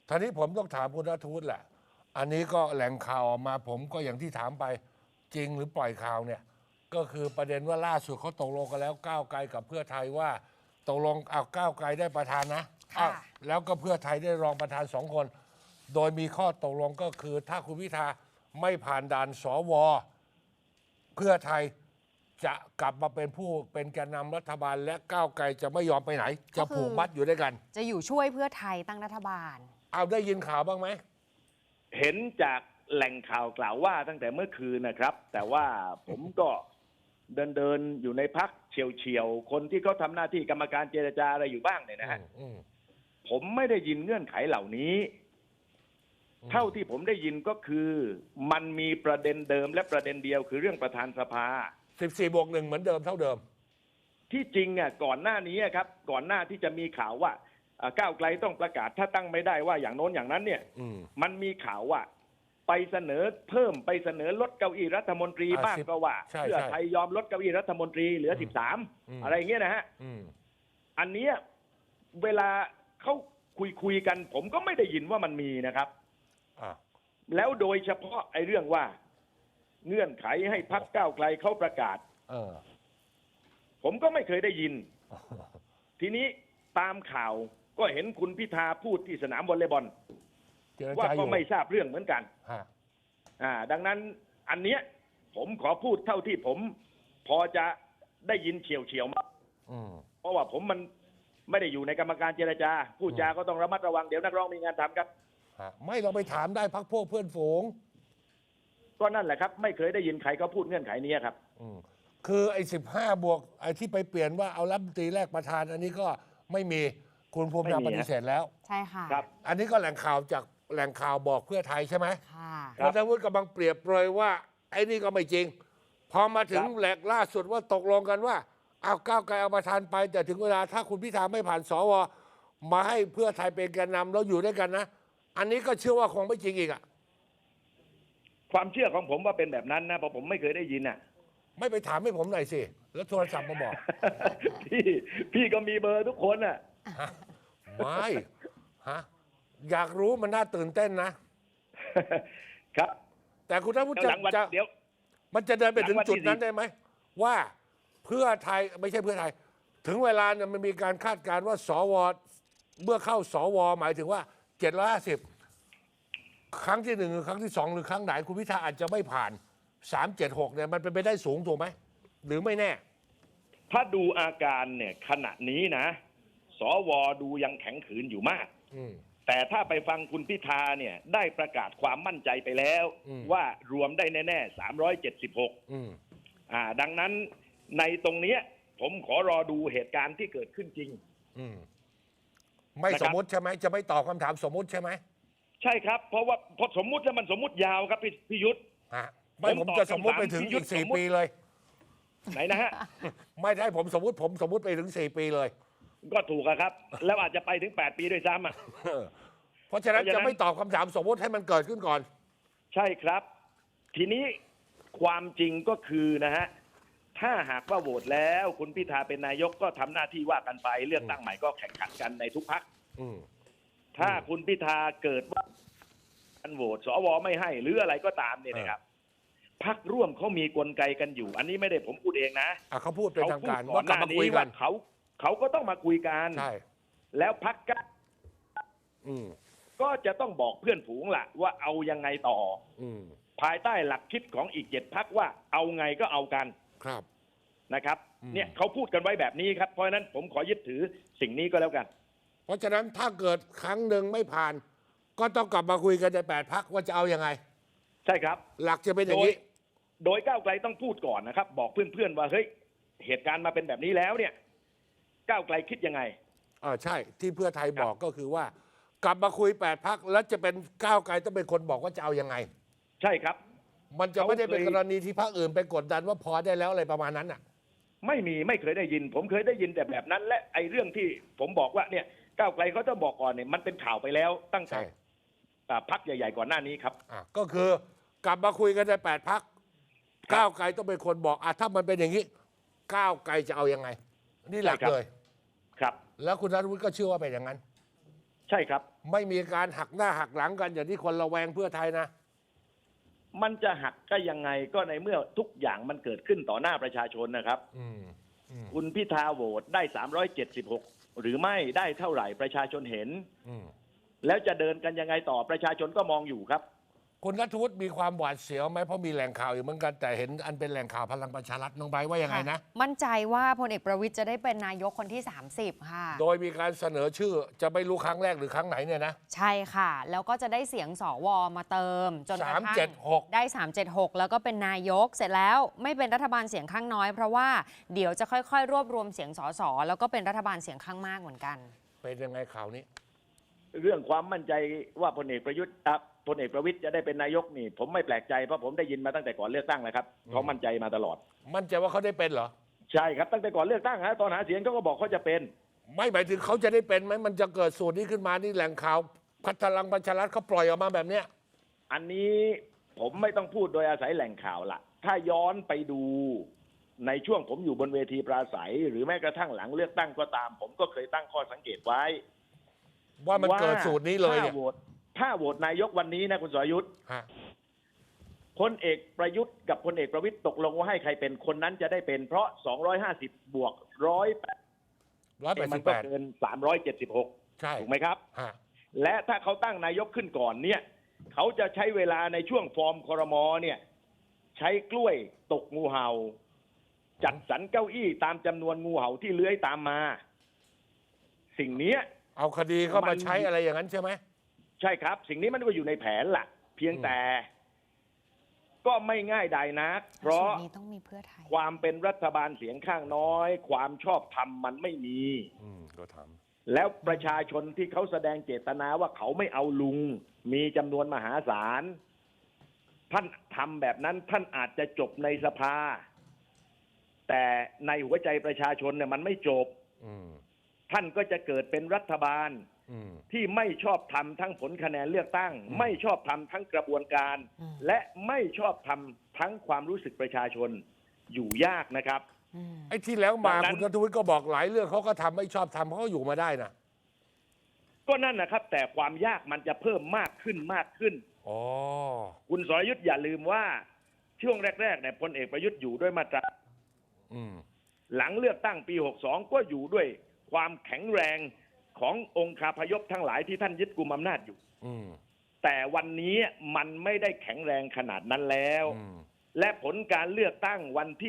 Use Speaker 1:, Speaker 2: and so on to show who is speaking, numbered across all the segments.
Speaker 1: ทีนี้ผมต้องถามคุณณัฐวุฒิแหละอันนี้ก็แหล่งข่าวออกมาผมก็อย่างที่ถามไปจริงหรือปล่อยข่าวเนี่ยก็คือประเด็นว่าล่าสุดเขาตกลงกันแล้วก้าวไกลกับเพื่อไทยว่าตกลงเอาก้าวไกลได้ประธานนะอ้าวแล้วก็เพื่อไทยได้รองประธาน2 คน โดยมีข้อตกลงก็คือถ้าคุณพิธาไม่ผ่านด่านสวเพื่อไทยจะกลับมาเป็นผู้เป็นแกนนำรัฐบาลและก้าวไกลจะไม่ยอมไปไหน จะผูกมัดอยู่ด้วยกัน
Speaker 2: จะอยู่ช่วยเพื่อไทยตั้งรัฐบาล
Speaker 1: เอาได้ยินข่าวบ้างไหม
Speaker 3: เห็นจากแหล่งข่าวกล่าวว่าตั้งแต่เมื่อคืนนะครับ แต่ว่าผมก็เดินอยู่ในพักเฉียวๆคนที่เขาทำหน้าที่กรรมการเจรจาอะไรอยู่บ้างเนี่ยนะฮะผมไม่ได้ยินเงื่อนไขเหล่านี้เท่าที่ผมได้ยินก็คือมันมีประเด็นเดิมและประเด็นเดียวคือเรื่องประธานสภา
Speaker 1: 14+1เหมือนเดิมเท่าเดิม
Speaker 3: ที่จริงอ่ะก่อนหน้านี้ครับก่อนหน้าที่จะมีข่าวว่าก้าวไกลต้องประกาศถ้าตั้งไม่ได้ว่าอย่างโน้นอย่างนั้นเนี่ยมันมีข่าวว่าไปเสนอเพิ่มไปเสนอลดเก้าอี้รัฐมนตรีบ้างก็ว่าเพื่อไทยยอมลดเก้าอี้รัฐมนตรีเหลือ13อะไรอย่างเงี้ยนะฮะอันเนี้ยเวลาเขาคุยกันผมก็ไม่ได้ยินว่ามันมีนะครับแล้วโดยเฉพาะไอ้เรื่องว่าเงื่อนไขให้พรรคก้าวไกลเขาประกาศผมก็ไม่เคยได้ยินทีนี้ตามข่าวก็เห็นคุณพิธาพูดที่สนามวอลเลย์บอลว่าก็ไม่ทราบเรื่องเหมือนกันดังนั้นอันเนี้ยผมขอพูดเท่าที่ผมพอจะได้ยินเฉียวๆมาเพราะว่าผมมันไม่ได้อยู่ในกรรมการเจรจาพูดจาก็ต้องระมัดระวังเดี๋ยวนักร้องมีงานทำครับ
Speaker 1: ไม่เราไปถามได้พรรคพวกเพื่อนฝูง
Speaker 3: ก็นั่นแหละครับไม่เคยได้ยินใครเขาพูดเงื่อนไขนี้ครับ
Speaker 1: คือไอ้15+ไอ้ที่ไปเปลี่ยนว่าเอารัฐมนตรีแรกประธานอันนี้ก็ไม่มีคุณภูมิธรรมปฏิเสธแล้ว
Speaker 2: ใช่ค่ะ
Speaker 3: ครับ
Speaker 1: อันนี้ก็แหล่งข่าวจากแหล่งข่าวบอกเพื่อไทยใช่ไหม
Speaker 2: ค่ะ
Speaker 1: คุณณัฐวุฒิกำลังเปรียบเปรยว่าไอ้นี่ก็ไม่จริงพอมาถึงแหลกล่าสุดว่าตกลงกันว่าเอาก้าวไกลเอาประธานไปแต่ถึงเวลาถ้าคุณพิธาไม่ผ่านสวมาให้เพื่อไทยเป็นแกนนำแล้วอยู่ด้วยกันนะอันนี้ก็เชื่อว่าคงไม่จริงอีกอ่ะ
Speaker 3: ความเชื่อของผมว่าเป็นแบบนั้นนะเพราะผมไม่เคยได้ยินอ่ะ
Speaker 1: ไม่ไปถามให้ผมหน่อยสิแล้วโทรศัพท์มาบอก
Speaker 3: พี่ก็มีเบอร์ทุกคนอ่ะ
Speaker 1: ไม่อยากรู้มันน่าตื่นเต้นนะครับแต่คุณท่านผู้ชมมันจะเดินไปถึงจุดนั้นได้ไหมว่าเพื่อไทยไม่ใช่เพื่อไทยถึงเวลาเนี่ยมันมีการคาดการณ์ว่าสวเมื่อเข้าสวหมายถึงว่า750ครั้งที่1หรือครั้งที่2หรือครั้งไหนคุณพิธาอาจจะไม่ผ่าน376เนี่ยมันเป็นไปได้สูงถูกไหมหรือไม่แน่
Speaker 3: ถ้าดูอาการเนี่ยขณะนี้นะสวดูยังแข็งขืนอยู่มากแต่ถ้าไปฟังคุณพิธาเนี่ยได้ประกาศความมั่นใจไปแล้วว่ารวมได้แน่ๆ376ดังนั้นในตรงนี้ผมขอรอดูเหตุการณ์ที่เกิดขึ้นจริง
Speaker 1: ไม่สมมุติใช่ไหมจะไม่ตอบคำถามสมมุติใช่ไหม
Speaker 3: ใช่ครับเพราะว่าพอสมมุติแล้วมันสมมุติยาวครับพี่ยุทธ
Speaker 1: ไม่ผมจะสมมุติไปถึงอีก4 ปีเลย
Speaker 3: ไหนนะฮะ
Speaker 1: ไม่ได้ผมสมมุติไปถึง4 ปีเลย
Speaker 3: ก็ถูกครับแล้วอาจจะไปถึง8 ปีด้วยซ้ำ
Speaker 1: เพราะฉะนั้นจะไม่ตอบคำถามสมมุติให้มันเกิดขึ้นก่อน
Speaker 3: ใช่ครับทีนี้ความจริงก็คือนะฮะถ้าหากว่าโหวตแล้วคุณพิธาเป็นนายกก็ทำหน้าที่ว่ากันไปเลือกตั้งใหม่ก็แข่งขันกันในทุกพรรคถ้าคุณพิธาเกิดว่าการโหวตสวไม่ให้หรืออะไรก็ตามเนี่ยนะครับพรรคร่วมเขามีกลไกกันอยู่อันนี้ไม่ได้ผมพูดเองนะ
Speaker 1: เขาพูดเป็นทางการว่ากลับมาคุยกัน
Speaker 3: เขาก็ต้องมาคุยกันแล้วพรรคก็จะต้องบอกเพื่อนฝูงล่ะว่าเอายังไงต่อภายใต้หลักคิดของอีก7 พรรคว่าเอาไงก็เอากัน
Speaker 1: ครับ
Speaker 3: นะครับเนี่ยเขาพูดกันไว้แบบนี้ครับเพราะฉะนั้นผมขอยึดถือสิ่งนี้ก็แล้วกัน
Speaker 1: เพราะฉะนั้นถ้าเกิดครั้งหนึ่งไม่ผ่านก็ต้องกลับมาคุยกันใน8 พรรคว่าจะเอายังไง
Speaker 3: ใช่ครับ
Speaker 1: หลักจะเป็นอย่างนี้
Speaker 3: โดยก้าวไกลต้องพูดก่อนนะครับบอกเพื่อนๆว่าเฮ้ยเหตุการณ์มาเป็นแบบนี้แล้วเนี่ยก้าวไกลคิดยังไง
Speaker 1: ใช่ที่เพื่อไทยบอกก็คือว่ากลับมาคุย8 พรรคแล้วจะเป็นก้าวไกลต้องเป็นคนบอกว่าจะเอายังไง
Speaker 3: ใช่ครับ
Speaker 1: มันจะไม่ได้เป็นกรณีที่พรรคอื่นไปกดดันว่าพอได้แล้วอะไรประมาณนั้นอ่ะ
Speaker 3: ไม่เคยได้ยินผมเคยได้ยินแต่แบบนั้นและไอ้เรื่องที่ผมบอกว่าเนี่ยก้าวไกลเขาจะบอกก่อนเนี่ยมันเป็นข่าวไปแล้วตั้งแต่พรรคใหญ่ๆก่อนหน้านี้ครับ
Speaker 1: ก็คือกลับมาคุยกันใน8 พรรคก้าวไกลต้องเป็นคนบอกถ้ามันเป็นอย่างนี้ก้าวไกลจะเอายังไงนี่หลักเลย
Speaker 3: ครับ
Speaker 1: แล้วคุณณัฐวุฒิก็เชื่อว่าเป็นอย่างนั้น
Speaker 3: ใช่ครับ
Speaker 1: ไม่มีการหักหน้าหักหลังกันอย่างที่คนระแวงเพื่อไทยนะ
Speaker 3: มันจะหักก็ยังไงก็ในเมื่อทุกอย่างมันเกิดขึ้นต่อหน้าประชาชนนะครับ คุณพิธาโหวตได้376หรือไม่ได้เท่าไหร่ประชาชนเห็นแล้วจะเดินกันยังไงต่อประชาชนก็มองอยู่ครับ
Speaker 1: คุณณัฐวุฒิมีความหวาดเสียวไหมเพราะมีแหล่งข่าวอยู่เหมือนกันแต่เห็นอันเป็นแหล่งข่าวพลังประชารัฐน้องใบร์ทว่ายังไงนะ
Speaker 2: มั่นใจว่าพลเอกประวิตยจะได้เป็นนายกคนที่ 30 ค่ะ
Speaker 1: โดยมีการเสนอชื่อจะไม่รู้ครั้งแรกหรือครั้งไหนเนี่ยนะ
Speaker 2: ใช่ค่ะ แล้วก็จะได้เสียงสวมาเติมจนกระทั่ง
Speaker 1: 376
Speaker 2: ได้ 376 แล้วก็เป็นนายกเสร็จแล้วไม่เป็นรัฐบาลเสียงข้างน้อยเพราะว่าเดี๋ยวจะค่อยๆ รวบรวมเสียงสสแล้วก็เป็นรัฐบาลเสียงข้างมากเหมือนกัน
Speaker 1: เป็นยังไงข่าวนี้
Speaker 3: เรื่องความมั่นใจว่าพลเอกประวิตยจะได้เป็นนายกนี่ผมไม่แปลกใจเพราะผมได้ยินมาตั้งแต่ก่อนเลือกตั้งแล้วครับเขามั่นใจมาตลอด
Speaker 1: มั่นใจว่าเขาได้เป็นเหรอ
Speaker 3: ใช่ครับตั้งแต่ก่อนเลือกตั้งฮะตอนหาเสียงเขาก็บอกเขาจะเป็น
Speaker 1: ไม่หมายถึงเขาจะได้เป็นไหมมันจะเกิดสูตรนี้ขึ้นมานี่แหล่งข่าวพลังประชารัฐเขาปล่อยออกมาแบบเนี้ย
Speaker 3: อันนี้ผมไม่ต้องพูดโดยอาศัยแหล่งข่าวละถ้าย้อนไปดูในช่วงผมอยู่บนเวทีปราศัย หรือแม้กระทั่งหลังเลือกตั้งก็ตาม ผมก็เคยตั้งข้อสังเกตไว้
Speaker 1: ว่ามันเกิดสูตรนี้เลยเนี่ย
Speaker 3: ถ้าโหวตนายกวันนี้นะคุณสรยุทธ์
Speaker 1: ฮะ
Speaker 3: พลเอกประยุทธ์กับพลเอกประวิตรตกลงว่าให้ใครเป็นคนนั้นจะได้เป็นเพราะ250บวก100มันก็เกิน376
Speaker 1: ใช่
Speaker 3: ถูกไหมครับ
Speaker 1: ฮะ
Speaker 3: และถ้าเขาตั้งนายกขึ้นก่อนเนี่ยเขาจะใช้เวลาในช่วงฟอร์มครม.เนี่ยใช้กล้วยตกงูเห่า จัดสรรเก้าอี้ตามจำนวนงูเห่าที่เลื้อยตามมา สิ่งนี้
Speaker 1: เอาคดีเข้ามาใช้อะไรอย่างนั้นใช่ไหม
Speaker 3: ใช่ครับ สิ่งนี้มันก็อยู่ในแผนล่ะ เพียงแต่ก็ไม่ง่ายดายนักเพราะ
Speaker 2: สูตรนี้ต้องมีเพื่อไทย
Speaker 3: ความเป็นรัฐบาลเสียงข้างน้อย ความชอบธรรมมันไม่มี
Speaker 1: ก็ท
Speaker 3: แล้วประชาชนที่เขาแสดงเจตนาว่าเขาไม่เอาลุง มีจำนวนมหาศาล ท่านทำแบบนั้นท่านอาจจะจบในสภา แต่ในหัวใจประชาชนเนี่ยมันไม่จบ ท่านก็จะเกิดเป็นรัฐบาลที่ไม่ชอบทำทั้งผลคะแนนเลือกตั้ง ไม่ชอบทำทั้งกระบวนการ และไม่ชอบทำทั้งความรู้สึกประชาชนอยู่ยากนะครับ
Speaker 1: ไอ้ที่แล้วมา
Speaker 3: ดังนั้น
Speaker 1: คุณณัฐวุฒิก็บอกหลายเรื่องเขาก็ทำไม่ชอบทำเขาก็อยู่มาได้นะ
Speaker 3: ก็นั่นนะครับ แต่ความยากมันจะเพิ่มมากขึ้นมากขึ้น
Speaker 1: อ๋อ
Speaker 3: คุณสรยุทธ์อย่าลืมว่าช่วงแรกๆเนี่ยพลเอกประยุทธ์อยู่ด้วยมาตรา หลังเลือกตั้งปี 62 ก็อยู่ด้วยความแข็งแรงขององค์คาพยพทั้งหลายที่ท่านยึดกุมอำนาจอยู่ แต่วันนี้มันไม่ได้แข็งแรงขนาดนั้นแล้ว และผลการเลือกตั้งวันที่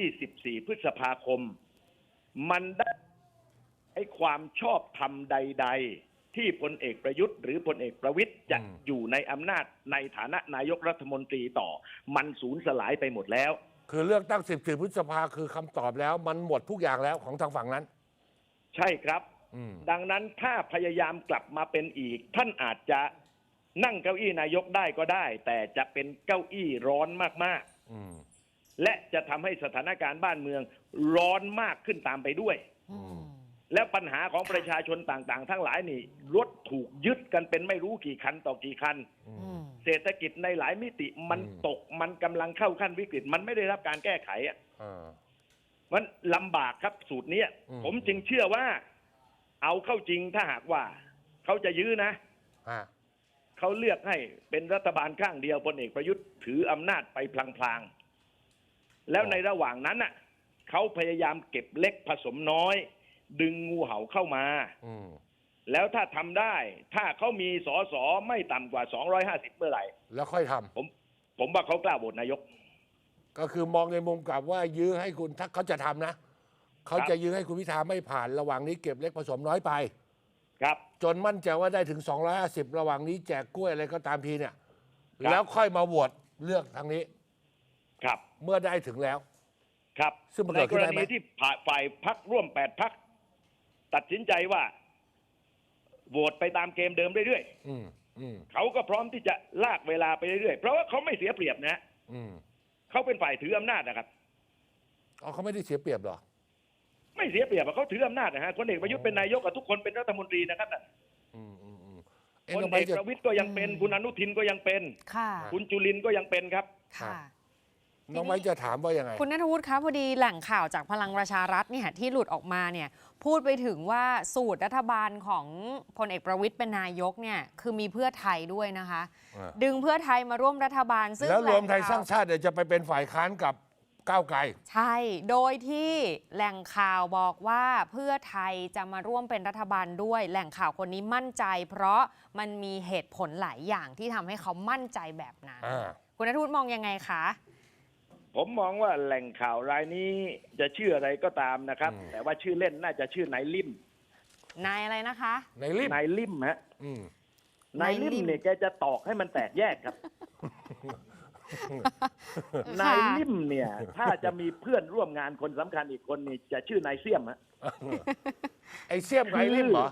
Speaker 3: 14 พฤษภาคม มันได้ให้ความชอบธรรมใด ๆ ที่พลเอกประยุทธ์หรือพลเอกประวิตรจะอยู่ในอำนาจในฐานะนายกรัฐมนตรีต่อ มันสูญสลายไปหมดแล้ว
Speaker 1: คือเลือกตั้ง14 พฤษภาคือคำตอบแล้ว มันหมดทุกอย่างแล้วของทางฝั่งนั้น
Speaker 3: ใช่ครับ ดังนั้นถ้าพยายามกลับมาเป็นอีก ท่านอาจจะนั่งเก้าอี้นายกได้ก็ได้ แต่จะเป็นเก้าอี้ร้อนมากๆและจะทำให้สถานการณ์บ้านเมืองร้อนมากขึ้นตามไปด้วย แล้วปัญหาของประชาชนต่างๆ ทั้งหลายนี่รถถูกยึดกันเป็นไม่รู้กี่คันต่อกี่คันเศรษฐกิจในหลายมิติมันตกมันกำลังเข้าขั้นวิกฤตมันไม่ได้รับการแก้ไขอ่ะมันลำบากครับสูตรนี้ผมจึงเชื่อว่าเอาเข้าจริงถ้าหากว่าเขาจะยื้อนะเขาเลือกให้เป็นรัฐบาลข้างเดียวพลเอกประยุทธ์ถืออำนาจไปพลางๆแล้วในระหว่างนั้นน่ะเขาพยายามเก็บเล็กผสมน้อยดึงงูเห่าเข้ามาแล้วถ้าทำได้ถ้าเขามีสสไม่ต่ำกว่า250เมื่อไหร่
Speaker 1: แล้วค่อยทำ
Speaker 3: ผมว่าเขากล้าโหวตนายก
Speaker 1: ก็คือมองในมุมกลับว่ายื้อให้คุณถ้าเขาจะทำนะเขาจะยื้อให้คุณพิธาไม่ผ่านระหว่างนี้เก็บเล็กผสมน้อยไป
Speaker 3: ครับ
Speaker 1: จนมั่นใจว่าได้ถึง250ระหว่างนี้แจกกล้วยอะไรก็ตามทีเนี่ยแล้วค่อยมาโหวตเลือกทางนี้
Speaker 3: ครับ
Speaker 1: เมื่อได้ถึงแล้ว
Speaker 3: ครับ
Speaker 1: ซึ่งมัน
Speaker 3: ใน
Speaker 1: เกิด
Speaker 3: ก
Speaker 1: ขึ้น
Speaker 3: ร
Speaker 1: ได้ไหม
Speaker 3: ณีที่ฝ่ายพรรคร่วม8พรรคตัดสินใจว่าโหวตไปตามเกมเดิมเรื่อยๆเขาก็พร้อมที่จะลากเวลาไปเรื่อยๆเพราะว่าเขาไม่เสียเปรียบนะเขาเป็นฝ่ายถืออำนาจนะครับ
Speaker 1: เขาไม่ได้เสียเปรียบหรอ
Speaker 3: ไม่เสียเปรียบเขาถืออำนาจนะฮะพลเอกประยุทธ์เป็นนายกกับทุกคนเป็นรัฐมนตรีนะครับพลเอกประวิตรก็ยังเป็นคุณอนุทินก็ยังเป็นคุณจุลินทร์ก็ยังเป็นครับ
Speaker 1: น้องไม้จะถามว่ายังไง
Speaker 2: คุณณัฐวุฒิคะพอดีแหล่งข่าวจากพลังประชารัฐเนี่ยที่หลุดออกมาเนี่ยพูดไปถึงว่าสูตรรัฐบาลของพลเอกประวิตยเป็นนายกเนี่ยคือมีเพื่อไทยด้วยนะคะ ดึงเพื่อไทยมาร่วมรัฐบาลซึ่ง
Speaker 1: แล้วรวมไทย
Speaker 2: แหล่
Speaker 1: สร้างชาติเดี๋ยวจะไปเป็นฝ่ายค้านกับก้าวไกล
Speaker 2: ใช่ โดยที่แหล่งข่าวบอกว่าเพื่อไทยจะมาร่วมเป็นรัฐบาลด้วย แหล่งข่าวคนนี้มั่นใจ เพราะมันมีเหตุผลหลายอย่างที่ทำให้เขามั่นใจแบบนั้น คุณณัฐวุฒิมองยังไงคะ
Speaker 3: ผมมองว่าแหล่งข่าวรายนี้จะชื่ออะไรก็ตามนะครับ แต่ว่าชื่อเล่นน่าจะชื่อนายลิ่ม
Speaker 2: นายอะไรนะคะ
Speaker 1: ในลิฟต์
Speaker 3: นายลิ่มฮะ
Speaker 1: อืม
Speaker 3: นายลิ่มเนี่ยแกจะตอกให้มันแตกแยกครับ นายลิ่มเนี่ย ถ้าจะมีเพื่อนร่วมงานคนสำคัญอีกคนนี่จะชื่อนายเสี่ยมฮะ
Speaker 1: ไอเสี่ยมกับไอลิฟต์เหรอ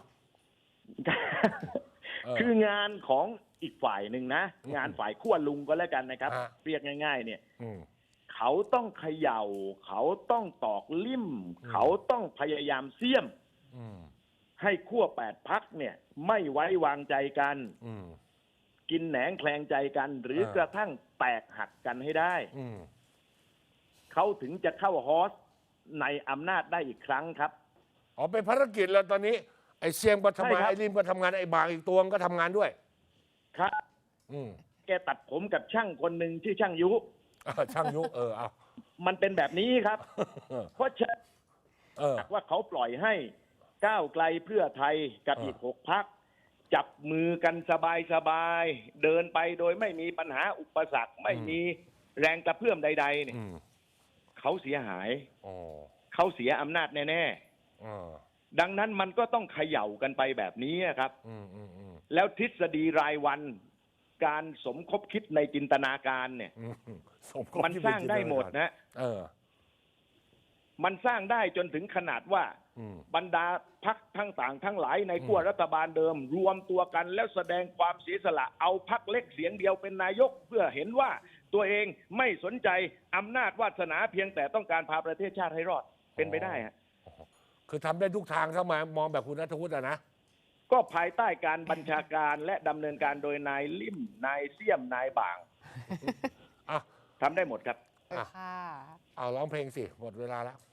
Speaker 3: คืองานของอีกฝ่ายหนึ่งนะ งานฝ่ายขั้วลุงก็แล้วกันนะครับ
Speaker 1: ฮะ
Speaker 3: เรียกง่าย ๆ เนี่ย
Speaker 1: อืม
Speaker 3: เขาต้องเขย่า เขาต้องตอกลิ่ม เขาต้องพยายามเสี่ยม
Speaker 1: อืม
Speaker 3: ให้ขั้ว8 พรรคเนี่ย ไม่ไว้วางใจกัน
Speaker 1: อืม
Speaker 3: กินแหนงแคลงใจกัน หรือกระทั่งแตกหักกันให้ได้
Speaker 1: อืม
Speaker 3: เขาถึงจะเข้าฮอสในอำนาจได้อีกครั้งครับ
Speaker 1: อ๋อเป็นภารกิจแล้วตอนนี้ไอเสี่ยมก็ทำงาน
Speaker 3: ใช่ครับ
Speaker 1: ไอลิมก็ทำงานไอบางอีกตัวก็ทำงานด้วย
Speaker 3: ครับ
Speaker 1: อืม
Speaker 3: แกตัดผมกับช่างคนหนึ่งที่อช่างยุ
Speaker 1: ช่างยุเอา
Speaker 3: มันเป็นแบบนี้ครับ เพราะฉะนั้น ว่าเขาปล่อยให้ก้าวไกลเพื่อไทยกับอีก6 พรรคจับมือกันสบายๆเดินไปโดยไม่มีปัญหาอุปสรรคไม่มีแรงกระเพื่อมใดๆเนี่ย
Speaker 1: อืม
Speaker 3: เขาเสียหาย
Speaker 1: อ๋อ
Speaker 3: เขาเสียอำนาจแน่
Speaker 1: อ๋อ
Speaker 3: ๆดังนั้นมันก็ต้องเขย่ากันไปแบบนี้ครับ
Speaker 1: อืมอืมอืม
Speaker 3: แล้วทฤษฎีรายวันการสมคบคิดในจินตนาการเนี่ย
Speaker 1: อืมสคบ
Speaker 3: มัน
Speaker 1: ที่
Speaker 3: สร้างได้หมดนะ
Speaker 1: เออ
Speaker 3: มันสร้างได้จนถึงขนาดว่า
Speaker 1: อืม
Speaker 3: บรรดาพรรคทั้งต่างทั้งหลายในขั้วรัฐบาลเดิม รวมตัวกันแล้วแสดงความเสียสละเอาพรรคเล็กเสียงเดียวเป็นนายก เพื่อเห็นว่าตัวเองไม่สนใจอำนาจวาสนาเพียงแต่ต้องการพาประเทศชาติให้รอดเป็นไปได้ฮะ
Speaker 1: คือทำได้ทุกทางถ้ามามองแบบคุณณัฐวุฒิอะนะ
Speaker 3: ก็ภายใต้การบัญชาการและดำเนินการโดยนายลิ่มนายเสี่ยมนายบาง
Speaker 1: อ่ะ
Speaker 3: ทำได้หมดครับ
Speaker 2: ค่ะ
Speaker 1: เอาร้องเพลงสิ หมดเวลาแล้ว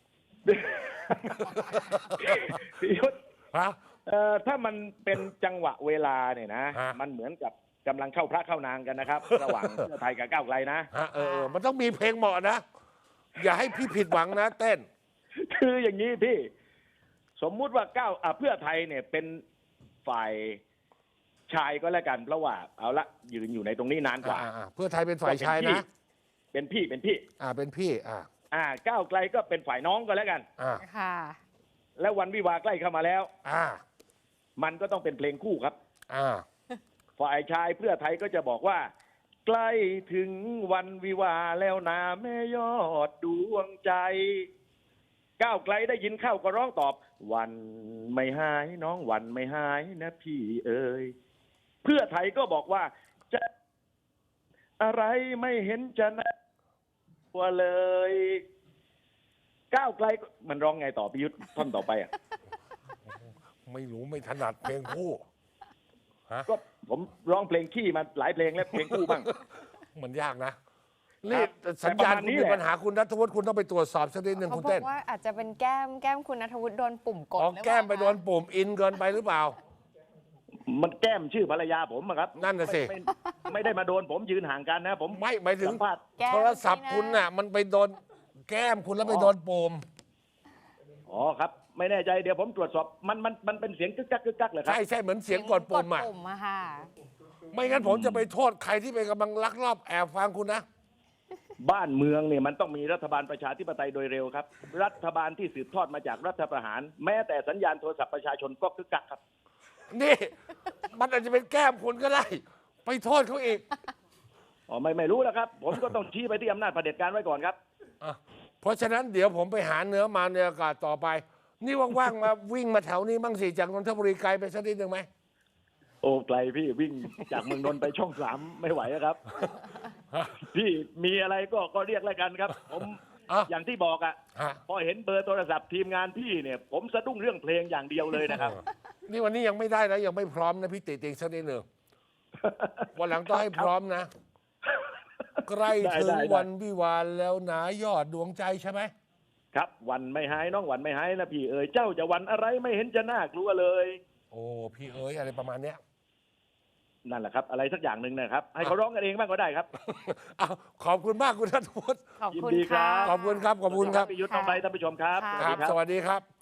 Speaker 3: พี่ยุทธ
Speaker 1: ฮะ
Speaker 3: ถ้ามันเป็นจังหวะเวลาเนี่ยนะ
Speaker 1: ฮะ
Speaker 3: มันเหมือนกับกำลังเข้าพระเข้านางกันนะครับ ระหว่างเพื่อไทยกับก้าวไกลนะ
Speaker 1: ฮะมันต้องมีเพลงเหมาะนะ อย่าให้พี่ผิดหวังนะเต้น
Speaker 3: คืออย่างนี้พี่ สมมุติว่าเพื่อไทยเนี่ยเป็นฝ่ายชายก็แล้วกันเพราะว่าเอาละยืนอยู่ในตรงนี้นานกว่า
Speaker 1: เพื่อไทยเป็นฝ่ายชายนะ
Speaker 3: เป็นพี่
Speaker 1: เป็นพี่
Speaker 3: ก้าวไกลก็เป็นฝ่ายน้องก็แล้วกัน
Speaker 2: ค่ะ
Speaker 3: แล้ววันวิวาห์ใกล้เข้ามาแล้ว มันก็ต้องเป็นเพลงคู่ครับ ฝ่ายชายเพื่อไทยก็จะบอกว่า ใกล้ถึงวันวิวาห์แล้วนะแม่ยอดดวงใจ ก้าวไกลได้ยินเข้าก็ร้องตอบ วันไม่หายน้องวันไม่หายนะพี่เอ๋ยเพื่อไทยก็บอกว่าจะอะไรไม่เห็นจะน่ากลัวเลย ก้าวไกลมันร้องไงต่อพิยุทธ์ท่อนต่อไปอ่ะ
Speaker 1: ไม่รู้ไม่ถนัดเพลงคู่ฮะ
Speaker 3: ก็ผมร้องเพลงขี้มาหลายเพลงแล้วเพลงคู่บ้าง
Speaker 1: มันยากนะนี่
Speaker 3: ครับ
Speaker 1: สัญญาณ
Speaker 3: แต่ประมาณ
Speaker 1: คุณ
Speaker 3: นี้
Speaker 1: มี
Speaker 3: แหละ
Speaker 1: ปัญหาคุณณัฐวุฒิคุณต้องไปตรวจสอบสักนิดหนึ่ง
Speaker 2: เขา
Speaker 1: คุณ
Speaker 2: บอ
Speaker 1: เต้น
Speaker 2: กว่าอาจจะเป็นแก้มคุณณัฐวุฒิโดนปุ่มกด
Speaker 1: อ๋อ
Speaker 2: หรือเปล่า
Speaker 1: แก้มไปโดนปุ่มอินเกินไปหรือเปล่า
Speaker 3: มันแก้มชื่อภรรยาผมอะครับ
Speaker 1: นั่นน่ะสิ
Speaker 3: ไม่ได้มาโดนผมยืนห่างกันนะผม
Speaker 1: ไม่หมายถึง
Speaker 3: สัมภาษณ์
Speaker 2: แก้ม
Speaker 1: โทรศัพท์
Speaker 2: สินะ
Speaker 1: คุณน่ะ มันไปโดนแก้มคุณแล้วไปโดนปุ่ม
Speaker 3: อ๋อครับ ไม่แน่ใจเดี๋ยวผมตรวจสอบมันเป็นเสียงกึกกักกึกกักเลยครับ
Speaker 1: ใช่เหมือนเสียงกดปุ่มอ่ะ
Speaker 2: ปุ่มอะค่ะ
Speaker 1: ไม่งั้นผมจะไปโทษใครที่ไปกำลังลักลอบแอบฟังคุณนะ
Speaker 3: บ้านเมืองเนี่ยมันต้องมีรัฐบาลประชาธิปไตยโดยเร็วครับ รัฐบาลที่สืบทอดมาจากรัฐประหาร แม้แต่สัญญาณโทรศัพท์ประชาชนก็กึกกักครับ
Speaker 1: นี่ มันอาจจะเป็นแก้มคุณก็ได้ ไปโทษเขาอีก
Speaker 3: อ๋อไม่รู้แล้วครับ ผมก็ต้องชี้ไปที่อำนาจเผด็จการไว้ก่อนครับ
Speaker 1: เพราะฉะนั้นเดี๋ยวผมไปหาเนื้อมาในอากาศต่อไป นี่ว่างๆมาวิ่งมาแถวนี้บ้างสิจากนนทบุรีไกลไปสักนิดหนึ่งไหม
Speaker 3: โอ้ไกลพี่วิ่งจากเมืองนนท์ไปช่อง3ไม่ไหวอะครับ พี่มีอะไรก็เรียกแล้วกันครับ ผม อย่างที่บอกอ่ะ พอเห็นเบอร์โทรศัพท์ทีมงานพี่เนี่ย ผมสะดุ้งเรื่องเพลงอย่างเดียวเลยนะครับ
Speaker 1: นี่วันนี้ยังไม่ได้นะยังไม่พร้อมนะพี่ติติงสักนิดหนึ่งวันหลังต้องให้พร้อมนะใกล้
Speaker 3: ได้
Speaker 1: ถึง
Speaker 3: ได้
Speaker 1: วันวิวาห์แล้วหนายอดดวงใจใช่ไหม
Speaker 3: ครับวันไม่หายน้องวันไม่หายนะพี่เอ๋ยเจ้าจะวันอะไรไม่เห็นจะน่ากลัวเลย
Speaker 1: โอ้พี่เอ๋ยอะไรประมาณเนี้ย
Speaker 3: นั่นแหละครับอะไรสักอย่างหนึ่งนะครับให้เขาร้องกันเองบ้างก็ได้ครับ
Speaker 1: อ้าวขอบคุณมากคุณนัทวุฒิ
Speaker 2: ขอบ
Speaker 3: ยิน
Speaker 2: คุณ
Speaker 3: ดีครั
Speaker 2: ค่ะ
Speaker 3: บ
Speaker 1: ขอบคุณครับขอบคุณครับ
Speaker 3: พี่ยุทธน้องใบท่านผู้ชมครับ
Speaker 2: ค่ะ
Speaker 1: ครับ สวัสดีครับ